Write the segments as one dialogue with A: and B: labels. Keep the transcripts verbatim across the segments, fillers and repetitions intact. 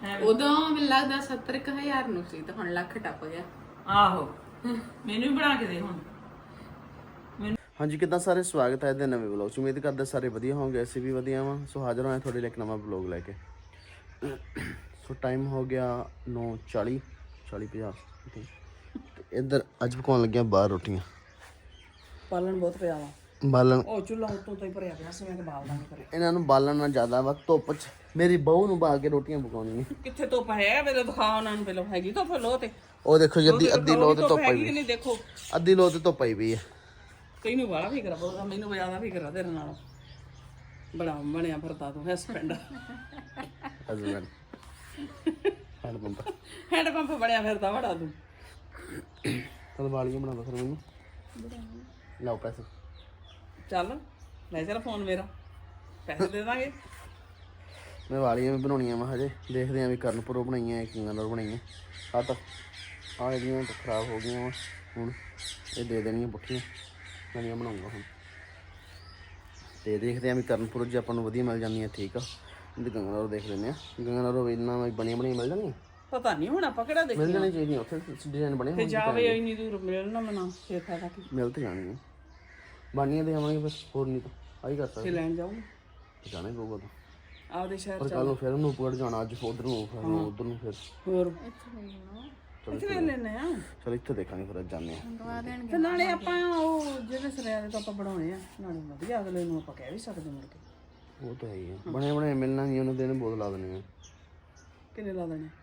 A: ਉਦੋਂ ਮੈਨੂੰ ਲੱਗਦਾ ਸੱਤਰ ਕੁ ਹਜ਼ਾਰ ਨੂੰ ਸੀ ਤੇ ਹੁਣ ਲੱਖ ਟੱਪ ਗਿਆ।
B: ਆਹੋ ਮੈਨੂੰ ਵੀ ਬਣਾ ਕੇ ਦੇ ਹੁਣ।
C: ਹਾਂਜੀ ਕਿੱਦਾਂ ਸਾਰੇ, ਸਵਾਗਤ ਹੈ ਇਹਦੇ ਨਵੇਂ ਵਲੌਗ 'ਚ। ਉਮੀਦ ਕਰਦੇ ਸਾਰੇ ਵਧੀਆ ਹੋਣਗੇ, ਅਸੀਂ ਵੀ ਵਧੀਆ ਵਾਂ। ਸੋ ਹਾਜ਼ਰ ਹੋਏ ਤੁਹਾਡੇ ਲਈ ਇੱਕ ਨਵਾਂ ਵਲੌਗ ਲੈ ਕੇ। ਸੋ ਟਾਈਮ ਹੋ ਗਿਆ ਨੌ ਚਾਲੀ ਚਾਲੀ ਪੰਜਾਹ ਤੇ ਇੱਧਰ ਅੱਜ ਪਕਾਉਣ ਲੱਗਿਆ ਬਾਹਰ ਰੋਟੀਆਂ।
B: ਪਾਲਣ ਬਹੁਤ ਪਿਆ ਵਾ,
C: ਬਾਲਣ
B: ਉਹ ਚੁੱਲ੍ਹਾ ਉੱਤੋਂ ਤੋਂ ਹੀ ਭਰਿਆ ਪਿਆ ਸੀ। ਮੈਂ ਕਿ ਬਾਲ ਦਾਂਗੇ ਕਰੇ
C: ਇਹਨਾਂ ਨੂੰ ਬਾਲਣ ਨਾਲ ਜ਼ਿਆਦਾ ਵਾ, ਧੁੱਪ 'ਚ ਮੇਰੀ ਬਹੂ ਨੂੰ ਬਾਲ ਕੇ ਰੋਟੀਆਂ ਪਕਾਉਣੀਆਂ।
B: ਕਿੱਥੇ ਧੁੱਪ ਹੈ ਮੇਰੇ, ਦਿਖਾ ਉਹਨਾਂ ਨੂੰ ਪਹਿਲਾਂ। ਹੈਗੀ ਧੁੱਪ ਲੋ ਤੇ
C: ਉਹ ਦੇਖੋ ਜੀ ਅੱਧੀ ਅੱਧੀ ਲੋ ਤੇ ਧੁੱਪ ਪਈ
B: ਹੈਗੀ ਕਿ
C: ਵੀ,
B: ਨਹੀਂ ਦੇਖੋ।
C: ਅੱਧੀ ਲੋ ਤੇ ਧੁੱਪ ਪਈ ਵੀ ਹੈ।
B: ਤੈਨੂੰ ਬੜਾ ਫਿਕਰ ਆ ਬਹੁਤ, ਮੈਨੂੰ ਜ਼ਿਆਦਾ ਫਿਕਰ ਆ ਤੇਰੇ ਨਾਲ। ਬੜਾ ਬਣਿਆ ਫਿਰਦਾ ਤੂੰ husband
C: husband hand pump
B: hand pump ਬਣਿਆ ਫਿਰਦਾ ਬੜਾ ਤੂੰ।
C: ਚਲ ਵਾਲੀਆਂ ਬਣਾ ਦੋ ਫਿਰ ਮੈਨੂੰ, ਲਓ ਪੈਸੇ।
B: ਚੱਲ ਲੈ ਚੱਲ ਫੋਨ ਮੇਰਾ, ਪੈਸੇ ਦੇ ਦਾਂਗੇ।
C: ਮੈਂ ਵਾਲੀਆਂ ਵੀ ਬਣਾਉਣੀਆਂ ਵਾ, ਹਜੇ ਦੇਖਦੇ ਆਂ ਵੀ ਕਰਨਪੁਰੋਂ ਬਣਾਈਆਂ ਕਿੰਨਾਂ ਨਾਲ ਬਣਾਈਆਂ। ਆ ਤਾਂ ਆ ਜਿਹੜੀਆਂ ਤਾਂ ਖਰਾਬ ਹੋ ਗਈਆਂ ਵਾ, ਹੁਣ ਇਹ ਦੇ ਦੇਣੀਆਂ ਪੁੱਠੀਆਂ, ਨਵੀਆਂ ਬਣਾਉਂਗਾ ਹੁਣ। ਤੇ ਦੇਖਦੇ ਆਂ ਵੀ ਕਰਨਪੁਰ ਜੇ ਆਪਾਂ ਨੂੰ ਵਧੀਆ ਮਿਲ ਜਾਂਦੀਆਂ ਠੀਕ ਆ, ਨਹੀਂ ਤਾਂ ਗੰਗਾਨਗਰ ਦੇਖ ਲੈਂਦੇ ਆ। ਗੰਗਾਨਗਰ ਇਹਨਾਂ ਬਣੀਆਂ ਬਣੀਆਂ ਮਿਲ ਜਾਣਗੀਆਂ,
B: ਪਤਾ ਨਹੀਂ ਹੁਣ ਆਪਾਂ ਕਿਹੜਾ
C: ਮਿਲ
B: ਦੇਖੀ
C: ਜਾਣੀ ਚਾਹੀਦੀਆਂ ਉੱਥੇ ਡਿਜ਼ਾਈਨ ਬਣੇ
B: ਤੇ ਜਾਵੇ ਇੰਨੀ ਦੂਰ ਮਿਲਣਾ ਮਨਾ ਫੇਰ ਫਾਇਦਾ ਕੀ।
C: ਮਿਲ ਤੇ ਜਾਣਗੀਆਂ, ਬਣੀਆਂ ਤੇ ਆਵਾਂਗੇ ਬਸ, ਹੋਰ ਨਹੀਂ ਤਾਂ ਆਹੀ ਕਰ
B: ਤੇ
C: ਸਕਦੇ।
B: ਲੈਣ ਜਾਊਂ
C: ਜਾਣਾ ਹੀ ਪਊਗਾ ਤਾਂ,
B: ਆਪਦੇ ਸ਼ਹਿਰ
C: ਪਰ ਕੱਲ ਨੂੰ ਫਿਰ ਨੂਪਗੜ੍ਹ ਜਾਣਾ, ਅੱਜ ਉਧਰ ਨੂੰ ਫਿਰ ਉਧਰ ਨੂੰ ਫਿਰ
B: ਹੋਰ ਇੱਥੇ ਲੈ ਲੈਣੇ ਆ।
C: ਚਲ ਇੱਥੇ ਦੇਖਾਂਗੇ ਫਿਰ, ਅੱਜ ਜਾਂਦੇ ਆ।
B: ਤੇ ਨਾਲੇ ਆਪਾਂ ਉਹ ਜਿਹੜੇ ਸਰਿਆਰੇ ਤੋਂ ਆਪਾਂ ਬਣਾਉਣੇ ਆ, ਨਾਲੇ ਵਧੀਆ ਅਗਲੇ ਨੂੰ ਆਪਾਂ ਕਹਿ ਵੀ ਸਕਦੇ ਮੁੜ ਕੇ।
C: ਉਹ ਤਾਂ ਹੈ ਹੀ ਆ, ਬਣੇ ਬਣੇ ਮਿਲਣਾ ਨਹੀਂ, ਉਹਨਾਂ ਦੇ ਬੋਲ ਲਾ ਦੇਣੀ ਆ।
B: ਕਿੰਨੇ ਲਾ ਦੇਣੇ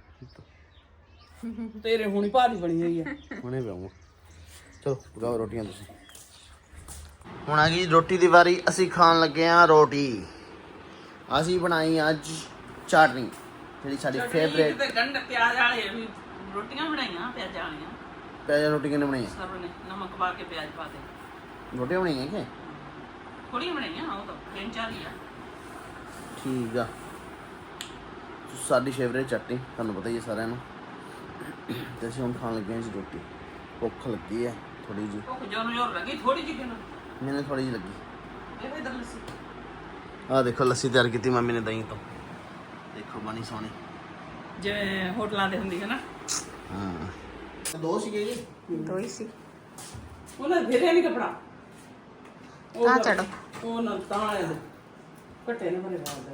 B: ਤੇਰੇ ਹੁਣੀ ਭਾਰੀ ਬਣੀ ਹੋਈ ਆ।
C: ਹੁਣੇ ਪਿਆਉਂਗਾ। ਚਲੋ ਪਕਾਓ ਰੋਟੀਆਂ ਤੁਸੀਂ। ਹੁਣ ਆ ਗਈ ਰੋਟੀ ਦੀ ਵਾਰੀ, ਅਸੀਂ ਖਾਣ ਲੱਗੇ ਆ ਰੋਟੀ। ਅਸੀਂ ਬਣਾਈ ਅੱਜ ਚਟਨੀ, ਜਿਹੜੀ ਸਾਡੀ ਫੇਵਰੇਟ।
B: ਤੇ ਗੰਢ ਪਿਆਜ਼ ਵਾਲੇ ਵੀ ਰੋਟੀਆਂ ਬਣਾਈਆਂ, ਪਿਆਜ਼ ਵਾਲੀਆਂ।
C: ਪਿਆਜ਼ ਰੋਟੀ ਕਿੰਨੇ ਬਣਾਈ?
B: ਸਭ ਨੇ ਨਮਕ ਪਾ ਕੇ ਪਿਆਜ਼ ਪਾ ਦੇ
C: ਰੋਟੀਆਂ ਬਣਾਈਆਂ ਕਿ
B: ਥੋੜੀਆਂ ਬਣਾਈਆਂ, ਉਹ ਤਾਂ ਤਿੰਨ ਚਾਰ ਹੀ ਆ।
C: ਠੀਕ ਆ। ਸਾਡੀ ਫੇਵਰੇਟ ਚਟਨੀ ਤੁਹਾਨੂੰ ਪਤਾ ਹੀ ਹੈ ਸਾਰਿਆਂ ਨੂੰ। ਤੇ ਅਸੀਂ ਹੁਣ ਖਾਣ ਲੱਗੇ ਹਾਂ ਜੀ ਰੋਟੀ। ਭੁੱਖ ਲੱਗੀ ਹੈ ਥੋੜੀ ਜਿਹੀ,
B: ਉਹ ਜੋਰ ਜੋਰ ਲੱਗੀ ਥੋੜੀ ਜਿਹੀ ਕਿਨੂੰ
C: ਮੈਨੂੰ ਥੋੜੀ ਜਿਹੀ ਲੱਗੀ।
B: ਇਹ ਵੀ ਦਲ ਸੀ।
C: ਆਹ ਦੇਖੋ ਲੱਸੀ ਤਿਆਰ ਕੀਤੀ ਮੰਮੀ ਨੇ ਦਹੀਂ ਤੋਂ, ਦੇਖੋ ਬਣੀ ਸੋਹਣੀ,
B: ਜਿਵੇਂ ਹੋਟਲਾਂ ਦੇ ਹੁੰਦੀ ਹੈ ਨਾ।
C: ਹਾਂ ਦੋ ਸੀਗੇ ਜੀ,
A: ਦੋ ਹੀ ਸੀ।
B: ਉਹਨਾਂ ਘੇਰੇ ਨਹੀਂ ਕਪੜਾ
A: ਆ ਚੜੋ
B: ਉਹ ਨਾ ਤਾਂ ਆਏ ਘਟੇ ਨੇ ਬਣੇ ਬਾਲ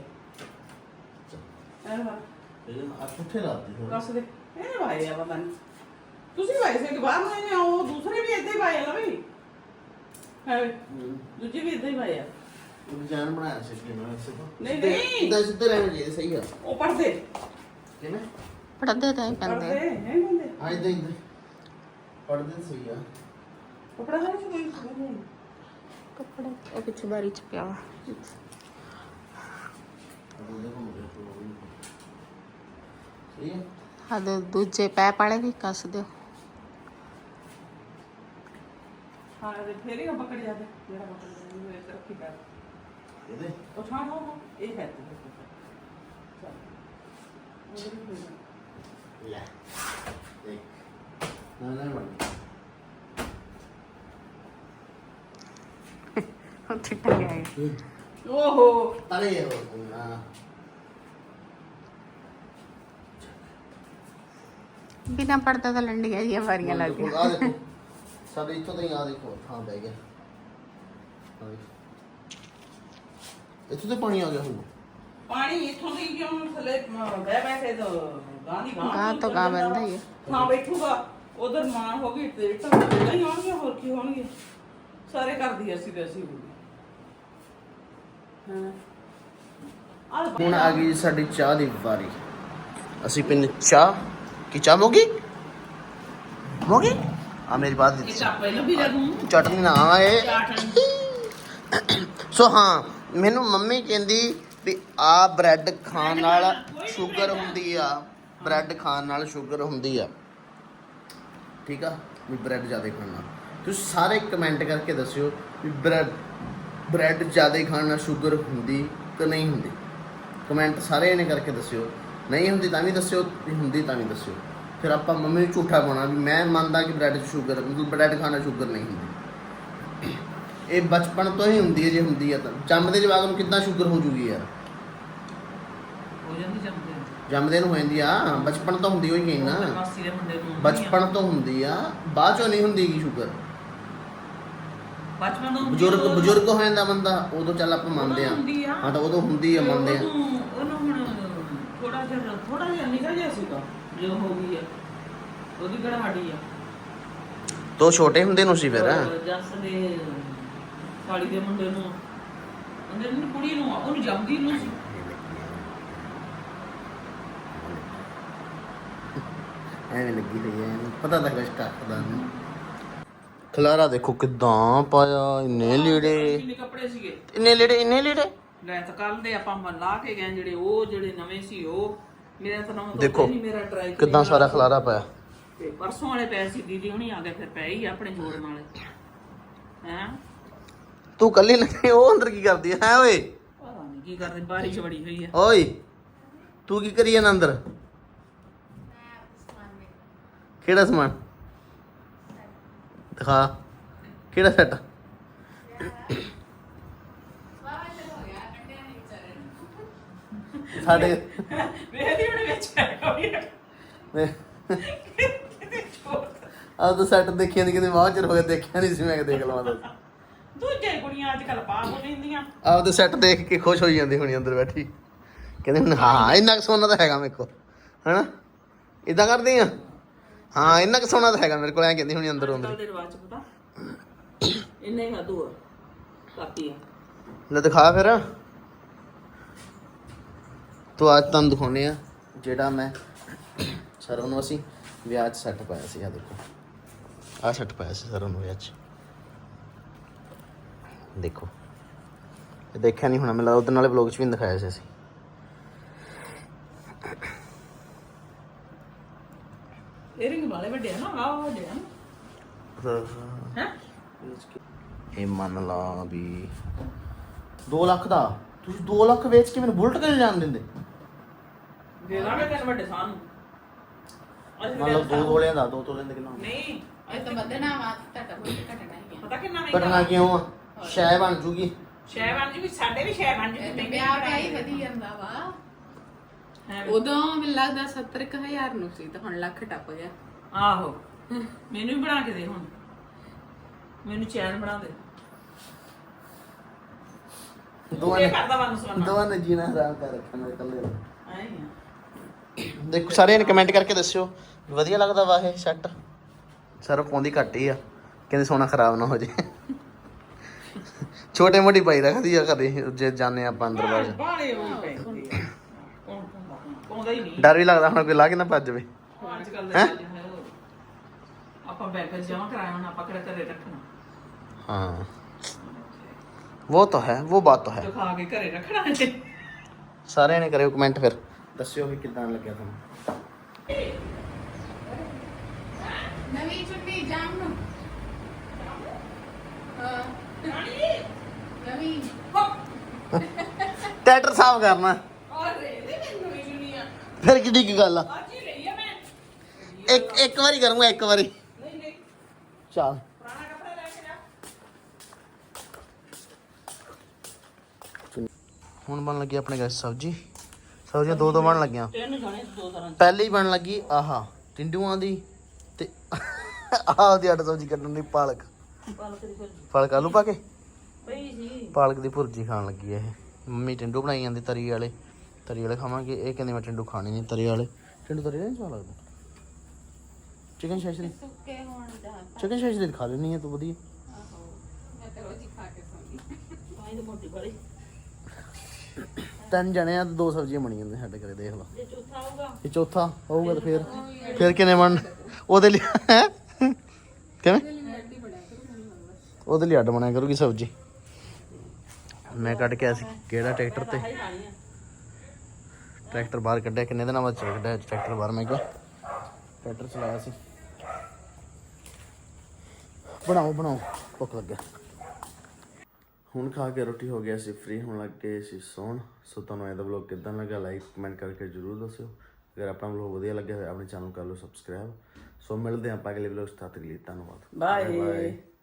B: ਐ ਵਾ
C: ਇਹ ਆ ਕਿੱਥੇ ਲਾਤੀ ਥੋੜਾ
B: ਦੱਸ ਦੇ ਇਹ ਭਾਈ ਆ ਪਤਾ ਨਹੀਂ ਤੁਸੀਂ ਭਾਈ ਸੇ ਕਿ ਬਾਹਰ ਨੂੰ ਆਏ ਉਹ ਦੂਸਰੇ ਵੀ ਇੱਥੇ ਹੀ ਪਾਏ ਆ ਨਾ ਵੀ ਹੈ ਦੂਜੇ ਵੀ ਇੱਥੇ ਹੀ ਪਾਏ ਆ।
C: ਉਹ ਡਿਜ਼ਾਈਨ ਬਣਾਇਆ ਸੀ ਕਿ ਮੈਂ ਇਸੇ ਤੋਂ
B: ਨਹੀਂ ਨਹੀਂ
C: ਇਦਾਂ ਸਿੱਧੇ ਰਹਿਣੇ ਚਾਹੀਦੇ, ਸਹੀ ਆ।
B: ਉਹ ਪੜਦੇ
C: ਕਿਵੇਂ
A: ਪੜਦੇ ਤਾਂ ਹੀ ਪੈਂਦੇ
B: ਪੜਦੇ ਨਹੀਂ ਬੰਦੇ
C: ਹਾਂ ਇਦਾਂ ਇਦਾਂ ਪੜਦੇ ਸਹੀ ਆ।
B: ਕਪੜਾ ਹੈ ਕੋਈ ਨਹੀਂ
A: ਕੱਪੜੇ ਉਹ ਪਿੱਛੇ ਬਾਰੀ ਚ ਪਿਆ ਵਾ।
C: ਸਹੀ ਆ।
A: ਹਾਂ ਤੇ ਦੂਜੇ ਪੈ ਪਾਲੇ ਵੀ ਕੱਸ ਦਿਓ।
B: ਹਾਂ ਤੇ ਫੇਰ ਹੀ ਪਕੜ ਜਾਦੇ ਜਿਹੜਾ ਪਕੜ ਜਾਂਦੇ ਇਹ ਰੱਖੀ ਕਰ
C: ਇਹਦੇ
B: ਉਹ ਛਾਂ ਹੋ ਇਹ ਹੈ
C: ਲੈ ਦੇਖ ਨਾ ਨਾ ਬਣ
A: ਉੱਥੇ ਟੰਗਿਆ ਹੈ।
B: ਓਹੋ
C: ਅਰੇ ਉਹ ਨਾ
A: ਬਿਨਾ ਪੜਦਾ ਤਾਂ ਲੰਡੀਆਂ ਜੀਆਂ ਵਾਰੀਆਂ ਲੱਗ ਗਈਆਂ।
C: ਆ ਦੇਖੋ ਸਾਡੇ ਇੱਥੋਂ ਤਾਂ ਹੀ ਆ ਦੇਖੋ ਥਾਂ ਬਹਿ ਗਿਆ। ਇੱਥੋਂ ਤੇ ਪਾਣੀ ਆ ਗਿਆ ਹੁਣ।
B: ਪਾਣੀ ਇੱਥੋਂ ਦੀ ਕਿਉਂ ਥੱਲੇ ਬਹਿ ਬੈਠੇ ਤਾਂ ਗਾਂ ਦੀ ਗਾਂ
A: ਗਾਂ ਤੋਂ ਗਾਂ ਬੰਦਾ ਹੀ ਹੈ।
B: ਹਾਂ ਬੈਠੂਗਾ ਉਧਰ ਮਾਂ ਹੋ ਗਈ ਤੇ ਤਾਂ ਨਹੀਂ ਆਉਣਗੇ, ਹੋਰ ਕੀ ਹੋਣਗੇ। ਸਾਰੇ ਕਰਦੀ ਅਸੀਂ ਤੇ ਅਸੀਂ ਹੋ ਗਏ। ਹਾਂ
C: ਹੁਣ ਆ ਗਈ ਸਾਡੀ ਚਾਹ ਦੀ ਵਾਰੀ। ਅਸੀਂ ਪੀਨੇ ਚਾਹ। ਕੀ ਚਾਹ ਮੋਗੀ ਮੋਗੀ ਆ ਮੇਰੀ ਬਾਤ
B: ਇਹ ਚਾਹ ਪਹਿਲਾਂ ਵੀ ਲੈ ਦੂੰ
C: ਚਟਨੀ ਨਾ ਆਏ।
B: ਚਾਟਨ
C: ਸੋ ਹਾਂ ਮੈਨੂੰ ਮੰਮੀ ਕਹਿੰਦੀ ਵੀ ਆ ਬ੍ਰੈਡ ਖਾਣ ਨਾਲ ਸ਼ੂਗਰ ਹੁੰਦੀ ਆ, ਬ੍ਰੈਡ ਖਾਣ ਨਾਲ ਸ਼ੂਗਰ ਹੁੰਦੀ ਆ। ਠੀਕ ਆ ਵੀ ਬ੍ਰੈਡ ਜ਼ਿਆਦਾ ਖਾਣ ਨਾਲ। ਤੁਸੀਂ ਸਾਰੇ ਕਮੈਂਟ ਕਰਕੇ ਦੱਸਿਓ ਵੀ ਬ੍ਰੈਡ ਬ੍ਰੈਡ ਜ਼ਿਆਦਾ ਖਾਣ ਨਾਲ ਸ਼ੂਗਰ ਹੁੰਦੀ ਕਿ ਨਹੀਂ ਹੁੰਦੀ। ਕਮੈਂਟ ਸਾਰੇ ਇਹਨੇ ਕਰਕੇ ਦੱਸਿਓ। ਨਹੀਂ ਹੁੰਦੀ ਤਾਂ ਵੀ ਦੱਸਿਓ, ਵੀ ਹੁੰਦੀ ਤਾਂ ਵੀ ਦੱਸਿਓ। ਫਿਰ ਆਪਾਂ ਮੰਮੀ ਨੂੰ ਝੂਠਾ ਪਾਉਣਾ ਵੀ ਮੈਂ ਮੰਨਦਾ ਕਿ ਬ੍ਰੈਡ 'ਚ ਸ਼ੂਗਰ, ਮਤਲਬ ਬ੍ਰੈਡ ਖਾਣਾ ਸ਼ੂਗਰ ਨਹੀਂ ਹੁੰਦੀ। ਇਹ ਬਚਪਨ ਤੋਂ ਹੀ ਹੁੰਦੀ ਹੈ, ਜੇ ਹੁੰਦੀ ਹੈ ਤਾਂ ਜੰਮਦੇ ਜਵਾਕ ਨੂੰ ਕਿੱਦਾਂ ਸ਼ੂਗਰ ਹੋ ਜੂਗੀ ਯਾਰ।
B: ਹੋ ਜਾਂਦੀ ਜੰਮਦੇ
C: ਜੰਮਦੇ ਨੂੰ ਹੋ ਜਾਂਦੀ ਆ, ਬਚਪਨ ਤੋਂ ਹੁੰਦੀ ਹੋਈ ਗਈ ਨਾ,
B: ਮਾਸੀ ਦੇ ਮੁੰਡੇ ਨੂੰ
C: ਬਚਪਨ ਤੋਂ ਹੁੰਦੀ ਆ, ਬਾਅਦ ਚੋਂ ਨਹੀਂ ਹੁੰਦੀ ਗੀ ਸ਼ੂਗਰ।
B: ਬਚਪਨ ਤੋਂ
C: ਬਜ਼ੁਰਗ ਬਜ਼ੁਰਗ ਹੋ ਜਾਂਦਾ ਬੰਦਾ ਉਦੋਂ ਚੱਲ ਆਪਾਂ ਮੰਨਦੇ ਆ,
B: ਹੁੰਦੀ ਆ।
C: ਹਾਂ ਤਾਂ ਉਦੋਂ ਹੁੰਦੀ ਆ, ਮੰਨਦੇ ਆ।
B: ਉਹਨੂੰ ਉਹਨੂੰ ਹੁਣ ਥੋੜਾ ਜਿਹਾ ਥੋੜਾ ਜਿਹਾ ਨਿਕਲ ਜਿਹਾ ਸੀਗਾ ਜੋ ਹੋ ਗਈ ਆ, ਉਹਦੀ ਕਿਹੜਾ ਹੱਡੀ ਆ।
C: ਤੋ ਛੋਟੇ ਹੁੰਦੇ ਨੂੰ ਸੀ ਫਿਰ।
B: ਜੱਸ ਦੇ ਸਾਲੀ ਦੇ ਮੁੰਡੇ ਨੂੰ, ਉਹਦੇ ਨੂੰ ਕੁੜੀ ਨੂੰ, ਉਹਨੂੰ ਜੰਮਦੀ ਨੂੰ ਸੀ।
C: ਐਵੇਂ ਲੱਗੀ ਰਹੀ ਐ, ਪਤਾ ਤਾਂ ਕੁਛ ਕਰਦਾ ਨਹੀਂ। ਖਲਾਰਾ ਦੇਖੋ ਕਿਦਾਂ ਪਾਇਆ, ਇੰਨੇ ਲੀੜੇ,
B: ਕਿੰਨੇ ਕੱਪੜੇ ਸੀਗੇ,
C: ਇੰਨੇ ਲੀੜੇ, ਇੰਨੇ ਲੀੜੇ।
B: ਲੈ ਤਾਂ ਕੱਲ ਦੇ ਆਪਾਂ ਮ ਲਾ ਕੇ ਗਏ ਜਿਹੜੇ, ਉਹ ਜਿਹੜੇ ਨਵੇਂ ਸੀ ਉਹ ਮੇਰਾ ਤਾਂ ਨਾਮ
C: ਦੇਖੋ
B: ਨਹੀਂ, ਮੇਰਾ ਟਰਾਈ
C: ਕਿਦਾਂ ਸਾਰਾ ਖਲਾਰਾ ਪਾਇਆ।
B: ਤੇ ਪਰਸੋਂ ਵਾਲੇ ਪਏ ਸੀ, ਦੀਦੀ ਹੁਣੀ ਆ ਗਏ, ਫਿਰ ਪਏ ਹੀ ਆਪਣੇ ਜੋੜਨ ਵਾਲੇ। ਹੈਂ
C: ਤੂੰ ਕੱਲੀ ਲੱਗੀ, ਉਹ ਅੰਦਰ ਕੀ ਕਰਦੀ ਹੈ ਓਏ?
B: ਪਤਾ ਨਹੀਂ ਕੀ ਕਰਦੇ, ਬਾਰਿਸ਼ ਬੜੀ ਹੋਈ ਆ।
C: ਓਏ ਤੂੰ ਕੀ ਕਰੀ ਜਾਂਦਾ ਅੰਦਰ? ਕਿਹੜਾ ਸਮਾਨ ਦਿਖਾ, ਕਿਹੜਾ ਸੈੱਟ? ਸਾਡੇ
B: ਵੇਖਦੀ ਹੁਣ ਵਿੱਚ ਹੈਗਾ ਵੀ
C: ਆ ਤਾਂ ਸੈੱਟ ਦੇਖਿਆ ਨਹੀਂ, ਕਿਤੇ ਮਾਂ ਚਿਰ ਹੋ ਗਿਆ ਦੇਖਿਆ ਨਹੀਂ ਸੀ, ਮੈਂ ਕਿ ਦੇਖ ਲਵਾਂ ਦੱਸ।
B: ਦੂਜੇ ਕੁੜੀਆਂ ਅੱਜ ਕੱਲ ਪਾ ਹੋ ਲੈਂਦੀਆਂ।
C: ਆਪ ਤਾਂ ਸੈੱਟ ਦੇਖ ਕੇ ਖੁਸ਼ ਹੋਈ ਜਾਂਦੀ ਹੋਣੀ ਅੰਦਰ ਬੈਠੀ, ਕਹਿੰਦੇ ਹੁਣ ਹਾਂ ਇੰਨਾ ਕੁ ਸੋਨਾ ਤਾਂ ਹੈਗਾ ਮੇਰੇ ਕੋਲ, ਹਨਾ ਇਦਾਂ ਕਰਦੀ ਆ, ਹਾਂ ਇੰਨਾ ਕੁ ਸੋਨਾ ਤਾਂ ਹੈਗਾ ਮੇਰੇ ਕੋਲ, ਐਂ ਕਹਿੰਦੀ ਹੋਣੀ ਅੰਦਰ ਅੰਦਰ।
B: ਦੇ ਰਿਵਾਜ ਪਤਾ ਇੰਨੇ ਖਾਦੂ ਆ ਕਾਪੀ ਆ।
C: ਲੈ ਦਿਖਾ ਫਿਰ, ਤੂੰ ਅੱਜ ਤੁਹਾਨੂੰ ਦਿਖਾਉਨੇ ਆ ਜਿਹੜਾ ਮੈਂ ਸਰੋਂ ਨੂੰ ਅਸੀਂ ਵਿਆਹ 'ਚ ਸੈੱਟ ਪਾਇਆ ਸੀ। ਆ ਦੇਖੋ, ਆਹ ਸੈੱਟ ਪਾਇਆ ਸੀ ਸਰੋਂ ਨੂੰ ਵਿਆਹ 'ਚ, ਦੇਖੋ ਇਹ ਦੇਖਿਆ ਨਹੀਂ ਹੋਣਾ ਮੈਨੂੰ ਲੱਗਦਾ, ਉਹਦੇ ਨਾਲੇ ਵਲੌਗ 'ਚ ਵੀ ਦਿਖਾਇਆ ਸੀ ਅਸੀਂ।
B: ਏਅਰਿੰਗ ਵਾਲੇ ਵੱਡੇ ਆ ਨਾ, ਆਹ ਵੱਡੇ ਆ ਨਾ। ਹੈ
C: ਇਹ ਮੰਨ ਲਾ ਵੀ ਦੋ ਲੱਖ ਦਾ, ਤੁਸੀਂ ਦੋ ਲੱਖ ਵੇਚ ਕੇ ਮੈਨੂੰ ਬੁਲਟ ਕਿਉਂ ਜਾਣ ਦਿੰਦੇ?
B: ਦੇ ਦਾਂਗੇ ਤੈਨੂੰ ਵੱਡੇ ਸਾਹ ਨੂੰ। ਅਸੀਂ
C: ਮੰਨ ਲਓ ਦੋ ਤੋਲਿਆਂ ਦਾ, ਦੋ ਤੋਲਿਆਂ ਦਾ ਕਿੰਨਾ ਹੋਣਾ?
B: ਨਹੀਂ
A: ਇਹ ਤਾਂ ਵਧਣਾ ਵਾ, ਤੁਹਾਡਾ ਕੋਈ ਘਟਣਾ ਹੀ
B: ਪਤਾ ਕਿੰਨਾ ਮਹਿੰਗਾ
C: ਘਟਨਾ ਕਿਉਂ ਆ? ਸ਼ੈ ਬਣ ਜੂਗੀ।
B: ਸ਼ੈ ਬਣ ਜੀ, ਵੀ ਸਾਡੇ ਵੀ ਸ਼ੈ ਬਣ ਜੀ।
A: ਹੈ। ਤੇ ਵਿਆਹ ਵਿਆਹ ਹੀ ਵਧੀ ਜਾਂਦਾ ਵਾ।
B: ਹੈ।
A: ਉਦੋਂ ਮੈਨੂੰ ਲੱਗਦਾ ਸੱਤਰ ਕੁ ਹਜ਼ਾਰ ਨੂੰ ਸੀ, ਤਾਂ ਹੁਣ ਲੱਖ ਟੱਪ ਗਿਆ।
B: ਆਹੋ ਮੈਨੂੰ ਵੀ ਬਣਾ ਕੇ ਦੇ, ਹੁਣ ਮੈਨੂੰ ਚੈਨ ਬਣਾ ਦੇ।
C: ਦੋਵਾਂ
B: ਇਹ
C: ਨੇ
B: ਕਰਦਾ ਵੰਨ ਸਵੰਨਾ
C: ਦੋਵਾਂ ਨੇ ਜੀਣਾ ਹਰਾਮ ਕਰ ਰੱਖਿਆ ਮੇਰੇ ਇਕੱਲੇ ਦਾ।
B: ਐਂ ਹੀ ਆ।
C: ਦੇਖੋ ਸਾਰਿਆਂ ਨੇ ਕਮੈਂਟ ਕਰਕੇ ਦੱਸਿਓ ਵਧੀਆ ਲੱਗਦਾ ਵਾ ਇਹ ਸੈੱਟ। ਸਰ ਪਾਉਂਦੀ ਘੱਟ ਹੀ ਆ, ਕਹਿੰਦੇ ਸੋਨਾ ਖਰਾਬ ਨਾ ਹੋ ਜੇ। ਛੋਟੇ ਮੋਟੀ ਪਾਈ ਰੱਖਦੀ ਆ ਕਦੇ ਜੇ ਜਾਂਦੇ ਆਪਾਂ ਅੰਦਰ ਬਾਹਰ।
B: ਬਾਹਲੇ ਉਹ ਪੈਂਦੇ ਆ। ਕੌਣ ਪਾਉਂਦਾ ਹੀ ਨਹੀਂ।
C: ਡਰ ਵੀ ਲੱਗਦਾ ਹੁਣ ਕੋਈ ਲਾ ਕੇ ਨਾ ਭੱਜ ਜਾਵੇ।
B: ਅੱਜ ਕੱਲ ਦਾ ਚੱਲ ਹੈ ਉਹ। ਆਪਾਂ ਬੈਂਕ 'ਚ ਜਮਾ ਕਰਾਇਆ, ਹੁਣ ਆਪਾਂ ਕਿਹੜਾ ਘਰੇ ਰੱਖਣਾ।
C: हाँ वो तो है, वो बात तो है।
B: ਜੋ ਖਾ ਕੇ ਘਰੇ ਰੱਖਣਾ ਹੈ।
C: सारे ने करियो कमेंट फिर दस्सियो कि कितना लग गया तुम।
A: ਨਵੀਂ ਚੁੰਨੀ ਜਾਮ ਨੂੰ ਹਾਂ ਨਵੀਂ
C: ट्रैक्टर साफ करना
B: ਅਰੇ ਇਹ ਮੈਨੂੰ ਵੀ ਨਹੀਂ ਆ।
C: फिर किड्डी की गल आ।
B: ਅੱਜ ਹੀ ਲਈ ਆ मैं।
C: एक एक बारी करूंगा, एक बारी
B: नहीं नहीं
C: चल।
B: पुराना कपड़ा लेके जा।
C: ਹੁਣ ਬਣ ਲੱਗੀ ਆਪਣੇ ਗੈਸ ਸਬਜੀ। ਸਬਜ਼ੀਆਂ ਦੋ ਦੋ ਬਣ ਲੱਗੀਆਂ।
B: ਤਿੰਨ ਜਾਣੇ ਦੋ ਤਰ੍ਹਾਂ ਦੇ।
C: ਪਹਿਲੀ ਬਣ ਲੱਗੀ ਆਹਾ ਟਿੰਡੂਆਂ ਦੀ, ਤੇ ਆਹ ਦੀ ਅੱਡ ਸਬਜੀ ਕੱਢਣ ਦੀ ਪਾਲਕ।
B: ਪਾਲਕ ਦੀ ਫਿਰ
C: ਪਾਲਕ ਆਲੂ ਪਾ ਕੇ
B: ਪਈ ਸੀ।
C: ਪਾਲਕ ਦੀ ਭੁਰਜੀ ਖਾਣ ਲੱਗੀ ਇਹ। ਮੰਮੀ ਟਿੰਡੂ ਬਣਾਈ ਜਾਂਦੀ ਤਰੀ ਵਾਲੇ, ਤਰੀ ਵਾਲੇ ਖਾਵਾਂਗੇ। ਇਹ ਕਹਿੰਦੇ ਮੈਂ ਟਿੰਡੂ ਖਾਣੇ ਨਹੀਂ ਤਰੀ ਵਾਲੇ। ਟਿੰਡੂ ਤਰੀ ਨਹੀਂ ਸਵਾਦ ਲੱਗਦਾ। ਚਿਕਨ ਸ਼ੈਸ਼ਰੀ,
A: ਸੁੱਕੇ ਹੋਣ ਦਾ
C: ਚਿਕਨ ਸ਼ੈਸ਼ਰੀ ਖਾ ਲੈਣੀ ਹੈ ਤੂੰ ਵਧੀਆ।
A: ਆਹੋ ਮੈਂ ਤਾਂ ਰੋਜ਼ ਹੀ ਖਾ ਕੇ ਸੌਂਦੀ।
B: ਆਈ ਦੀ ਮੋਟੀ ਵਾਲੀ।
C: ਤਿੰਨ ਜਣੇ ਆ ਤੇ ਦੋ ਸਬਜ਼ੀਆਂ ਬਣੀ ਜਾਂਦੀਆਂ ਸਾਡੇ ਘਰੇ, ਦੇਖ ਲਾ।
B: ਜੇ ਚੌਥਾ ਆਊਗਾ
C: ਇਹ ਚੌਥਾ ਹੋਊਗਾ ਤਾਂ ਫਿਰ ਫਿਰ ਕਿੰਨੇ ਬਣ ਉਹਦੇ ਲਈ ਹੈ ਕਿਵੇਂ ਉਹਦੇ ਲਈ ਅੱਡ ਬਣਿਆ ਕਰੂਗੀ ਸਬਜ਼ੀ। ਮੈਂ ਕੱਢ ਕੇ ਆਇਆ ਸੀ ਕਿਹੜਾ ਟਰੈਕਟਰ ਤੇ,
B: ਖਾਈ ਖਾਣੀ ਆ।
C: ਟਰੈਕਟਰ ਬਾਹਰ ਕੱਢਿਆ। ਕਿੰਨੇ ਦਿਨਾਂ ਬਾਅਦ ਕੱਢਿਆ ਟਰੈਕਟਰ ਬਾਹਰ, ਮੈਂ ਕਿਹਾ ਟਰੈਕਟਰ ਚਲਾਇਆ ਸੀ। ਬਣਾਓ ਬਣਾਓ, ਭੁੱਖ ਲੱਗਿਆ। ਹੁਣ ਖਾ ਕੇ ਰੋਟੀ ਹੋ ਗਿਆ ਸੀ ਫ੍ਰੀ, ਹੁਣ ਲੱਗ ਗਏ ਸੀ ਸੌਣ। ਸੋ ਤੁਹਾਨੂੰ ਇਹਦਾ ਵਲੌਗ ਕਿੱਦਾਂ ਲੱਗਾ ਲਾਈਕ ਕਮੈਂਟ ਕਰਕੇ ਜ਼ਰੂਰ ਦੱਸਿਓ। ਅਗਰ ਆਪਣਾ ਵਲੌਗ ਵਧੀਆ ਲੱਗਿਆ ਹੋਇਆ ਆਪਣੇ ਚੈਨਲ ਕਰ ਲਓ ਸਬਸਕ੍ਰਾਈਬ। ਸੋ ਮਿਲਦੇ ਹਾਂ ਆਪਾਂ ਅਗਲੇ ਵਲੌਗ 'ਚ, ਤਦ ਤੱਕ ਲਈ ਧੰਨਵਾਦ।
B: ਬਾਏ।